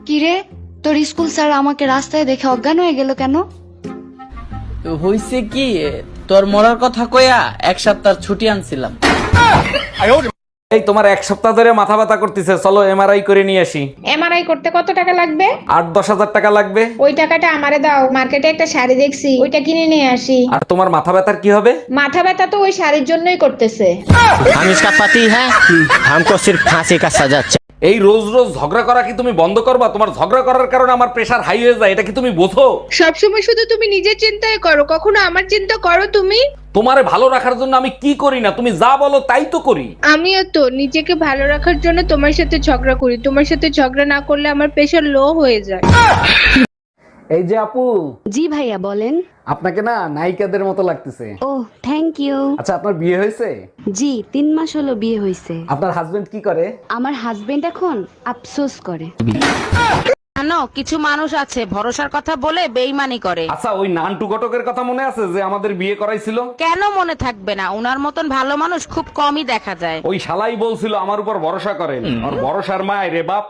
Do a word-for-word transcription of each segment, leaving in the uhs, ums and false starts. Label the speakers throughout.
Speaker 1: কিরে, তোর school sir আমাকে রাস্তায় দেখে অজ্ঞান হয়ে গেল কেন?
Speaker 2: হইছে কি, তোর মরার কথা কইয়া এক সপ্তাহ ছুটি আনছিলাম।
Speaker 3: এই তোমার এক সপ্তাহ ধরে মাথা ব্যথা করতেছে, চলো এমআরআই করে নিয়ে আসি।
Speaker 4: এমআরআই করতে কত টাকা লাগবে?
Speaker 3: আট দশ হাজার টাকা লাগবে।
Speaker 4: ওই টাকাটা আমারে দাও, মার্কেটে একটা শাড়ি দেখছি, ওইটা কিনে নিয়ে আসি।
Speaker 3: আর তোমার মাথা ব্যথার কি হবে?
Speaker 4: মাথা ব্যথা তো ওই শাড়ির জন্যই করতেছে।
Speaker 5: हम इसका पति है, हमको सिर्फ फांसी का सजा चाहिए।
Speaker 3: এই রোজ রোজ ঝগড়া করা কি তুমি বন্ধ করবা? তোমার ঝগড়া করার কারণে আমার প্রেশার হাই হয়ে যায়, এটা কি তুমি বোঝো?
Speaker 4: সবসময় শুধু তুমি নিজের চিন্তাই করো, কখনো আমার চিন্তা করো তুমি?
Speaker 3: তোমারে ভালো রাখার জন্য আমি কি করি না, তুমি যা বলো তাই তো করি।
Speaker 4: আমিও তো নিজেকে ভালো রাখার জন্য তোমার সাথে ঝগড়া করি। তোমার সাথে ঝগড়া না করলে আমার প্রেশার লো হয়ে যায়।
Speaker 3: এই যে আপু,
Speaker 1: জি ভাইয়া বলেন।
Speaker 3: আপনাকে না নায়িকাদের মতো লাগতেছে।
Speaker 1: Oh thank you.
Speaker 3: আচ্ছা, আপনার বিয়ে হয়েছে?
Speaker 1: জি, তিন মাস হলো বিয়ে হয়েছে।
Speaker 3: আপনার হাজবেন্ড কি করে?
Speaker 1: আমার হাজবেন্ড এখন আফসোস করে।
Speaker 6: জানো, কিছু মানুষ আছে ভরসার কথা বলে বেইমানি করে।
Speaker 3: আচ্ছা, ওই নান্টু ঘটকের কথা মনে আছে যে আমাদের বিয়ে করাইছিল?
Speaker 6: কেন মনে থাকবে না, উনার মতন ভালো মানুষ খুব কমই দেখা যায়।
Speaker 3: ওই শালাই বলছিল আমার উপর ভরসা করেন, আর ভরসার মায় রে বাপ।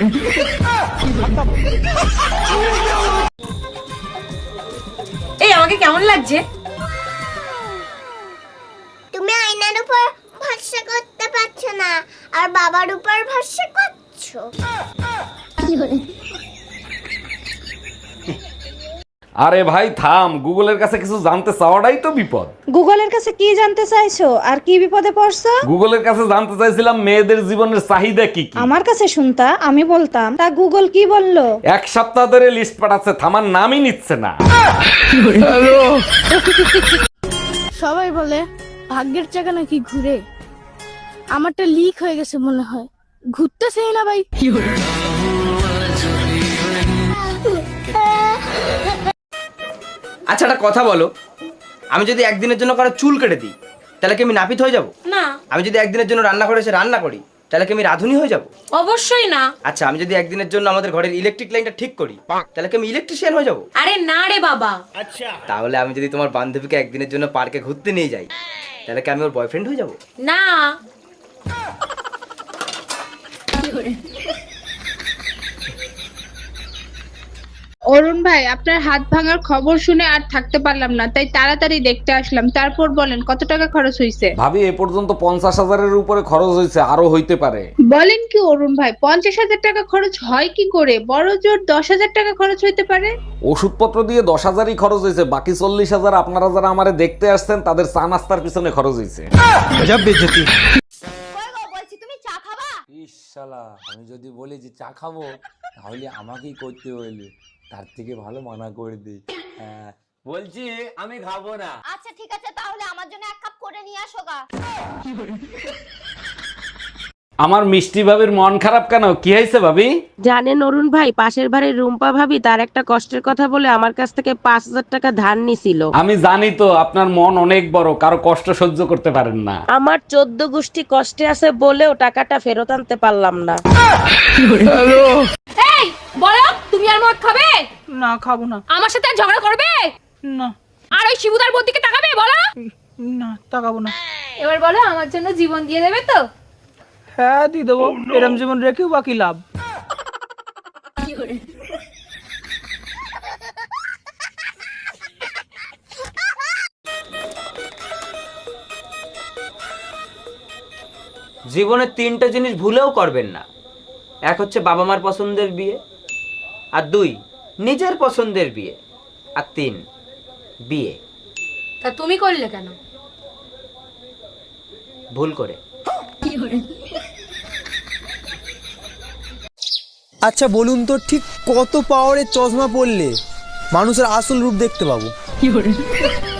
Speaker 7: এই আমাকে কেমন লাগছে?
Speaker 8: তুমি আয়নার উপর ভরসা করতে পারছো না, আর বাবার উপর ভরসা করছো।
Speaker 3: আরে ভাই থাম, গুগলের কাছে কিছু জানতে চাওয়াটাই তো বিপদ।
Speaker 4: গুগলের কাছে কি জানতে চাইছো আর কি বিপদে পড়ছো?
Speaker 3: গুগলের কাছে জানতে চাইছিলাম মেয়েদের জীবনের চাহিদা কি কি।
Speaker 4: আমার কাছে শুনতা, আমি বলতাম। তা গুগল কি বললো?
Speaker 3: এক সপ্তাহ ধরে লিস্ট পাঠাচ্ছে, থামার নামই নিচ্ছে না।
Speaker 9: সবাই বলে ভাগ্যের চাকা নাকি ঘুরে, আমারটা লিক হয়ে গেছে মনে হয়, ঘুরতেছেই না ভাই।
Speaker 5: আচ্ছা একটা কথা বলো, আমি যদি একদিনের জন্য কারো চুল কেটে দিই তাহলে কি আমি নাপিত হয়ে যাব?
Speaker 7: না।
Speaker 5: আমি যদি একদিনের জন্য রান্না করে এসে রান্না করি তাহলে কি আমি রাঁধুনি হয়ে যাব?
Speaker 7: অবশ্যই না।
Speaker 5: আচ্ছা, আমি যদি একদিনের জন্য আমাদের ঘরের ইলেকট্রিক লাইনটা ঠিক করি তাহলে কি আমি ইলেকট্রিশিয়ান হয়ে যাব?
Speaker 7: আরে না রে বাবা।
Speaker 5: তাহলে আমি যদি তোমার বান্ধবীকে একদিনের জন্য পার্কে ঘুরতে নিয়ে যাই তাহলে কি আমি ওর বয়ফ্রেন্ড হয়ে যাব?
Speaker 7: না।
Speaker 4: অরুণ ভাই, আপনার হাত ভাঙার খবর শুনে আর থাকতে পারলাম না, তাই তাড়াতাড়ি দেখতে আসলাম। তারপর বলেন কত টাকা খরচ হয়েছে?
Speaker 3: ভাবি, এ পর্যন্ত পঞ্চাশ হাজারের উপরে খরচ হয়েছে, আরো হইতে পারে।
Speaker 4: বলেন কি অরুণ ভাই, পঞ্চাশ হাজার টাকা খরচ হয় কি করে? বড় জোর দশ হাজার টাকা খরচ হইতে পারে।
Speaker 3: ওষুধপত্র দিয়ে দশ হাজারই খরচ হয়েছে, বাকি চল্লিশ হাজার আপনারা যারা আমারে দেখতে আসছেন তাদের চা নাস্তার পিছনে খরচ হয়েছে।
Speaker 8: বলছি তুমি চা খাবা?
Speaker 10: ইস শালা, আমি যদি বলি যে চা খাবো তাহলে আমাকেই করতে হইলে, তার থেকে ভালো মানা করে দিই। হ্যাঁ, বলছি আমি খাবো না।
Speaker 8: আচ্ছা ঠিক আছে, তাহলে আমার জন্য এক কাপ করে নিয়ে আসো গা।
Speaker 3: আমার মিষ্টি ভাবির মন খারাপ কেন? কি হয়েছে ভাবি?
Speaker 6: জানেন অরুণ ভাই, পাশের বাড়ির রুম্পা ভাবি তার একটা কষ্টের কথা বলে আমার কাছ থেকে পাঁচ হাজার টাকা ধার নিছিল।
Speaker 3: আমি জানি তো আপনার মন অনেক বড়, কারো কষ্ট সহ্য করতে পারেন না।
Speaker 6: আমার চোদ্দ গোষ্ঠী কষ্টে আছে বলেও টাকাটা ফেরত আনতে পারলাম না।
Speaker 7: এই বলো, তুমি আর মদ খাবে?
Speaker 9: না খাবো না।
Speaker 7: আমার সাথে আর ঝগড়া করবে?
Speaker 9: না।
Speaker 7: আর ওই শিবুদার বোন দিকে তাকাবে? বলো।
Speaker 9: না, তাকাবো না।
Speaker 7: এবার বলো, আমার জন্য জীবন দিয়ে দেবে তো?
Speaker 9: হ্যাঁ দিয়ে দেবো, এরম জীবন রেখেও বাকি লাভ।
Speaker 5: জীবনে তিনটা জিনিস ভুলেও করবেন না। এক হচ্ছে বাবা মার পছন্দের বিয়ে, আর দুই নিজের পছন্দের বিয়ে, আর তিন বিয়ে।
Speaker 7: তা তুমি করলে কেন?
Speaker 5: ভুল করে।
Speaker 11: আচ্ছা বলুন তো, ঠিক কত পাওয়ারের চশমা পরলে মানুষের আসল রূপ দেখতে পাবো?